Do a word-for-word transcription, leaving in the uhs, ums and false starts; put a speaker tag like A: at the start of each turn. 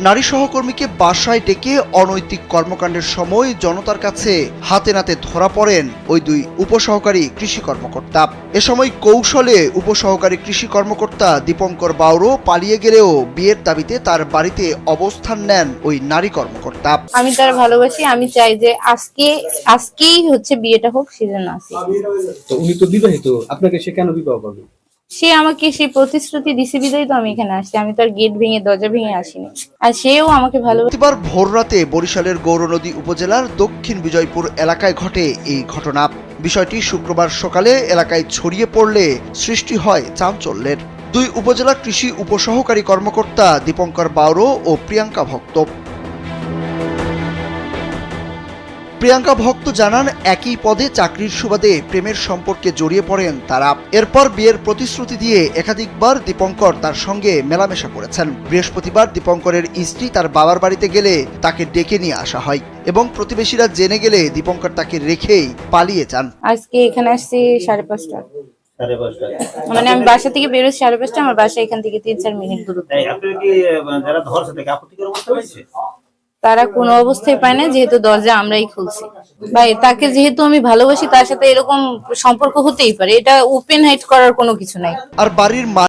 A: নারী সহকর্মীকে বাসায় ডেকে অনৈতিক কর্মকাণ্ডের সময় জনতার কাছে হাতে নাতে ধরা পড়েন ওই দুই উপসহকারী কৃষি কর্মকর্তা। এ সময় কৌশলে উপসহকারী কৃষি কর্মকর্তা দীপঙ্কর বাউরো পালিয়ে গেলেও বিয়ের দাবিতে তার বাড়িতে অবস্থান নেন ওই নারী কর্মকর্তা।
B: আমি তার ভালোবাসি, আমি চাই যে আজকে আজকেই হচ্ছে বিয়েটা হোক, সেজন্য আসি।
C: তো উনি তো বিবাহিত, আপনাকে সে কেন বিবাহ করবে?
B: সে আমাকে সেই প্রতিশ্রুতি দিছে বিদায় তো আমি এখানে আসছি। আমি তার গেট ভেঙে দরজা ভেঙে আসিনি, আর সেও আমাকে ভালোবাসে।
A: এবার ভোররাতে বরিশালের গৌরনদী উপজেলার দক্ষিণ বিজয়পুর এলাকায় ঘটে এই ঘটনা। বিষয়টি শুক্রবার সকালে এলাকায় ছড়িয়ে পড়লে সৃষ্টি হয় চাঞ্চল্যের। দুই উপজেলা কৃষি উপসহকারী কর্মকর্তা দীপঙ্কর বাউরো ও প্রিয়াঙ্কা ভক্ত। প্রিয়াঙ্কা ভক্ত জানান, একই পদে চাকরির সুবাদে প্রেমের সম্পর্কে জড়িয়ে পড়েন তারা। এরপর বিয়ের প্রতিশ্রুতি দিয়ে একাধিকবার দীপঙ্কর তার সঙ্গে মেলামেশা করেছেন। বৃহস্পতিবার দীপঙ্করের স্ত্রী তার বাবার বাড়িতে গেলে তাকে ডেকে নিয়ে আসা হয় এবং প্রতিবেশীরা জেনে গেলে দীপঙ্কর তাকে রেখেই পালিয়ে যান।
B: আজকে এখানে আসছি সাড়ে পাঁচটা মানে আমি বাসা থেকে বেরোচ্ছি সাড়ে পাঁচটা, আমার বাসা এখান থেকে তিন চার মিনিট দূরত্ব। তারা কোনো অবস্থায় পায় না, যেহেতু দরজা আমরাই খুলছি। ভাই, তাকে যেহেতু আমি ভালোবাসি, তার সাথে এরকম সম্পর্ক হতেই পারে, এটা ওপেন হাইট করার কোনো কিছু নাই।
A: আর বাড়ির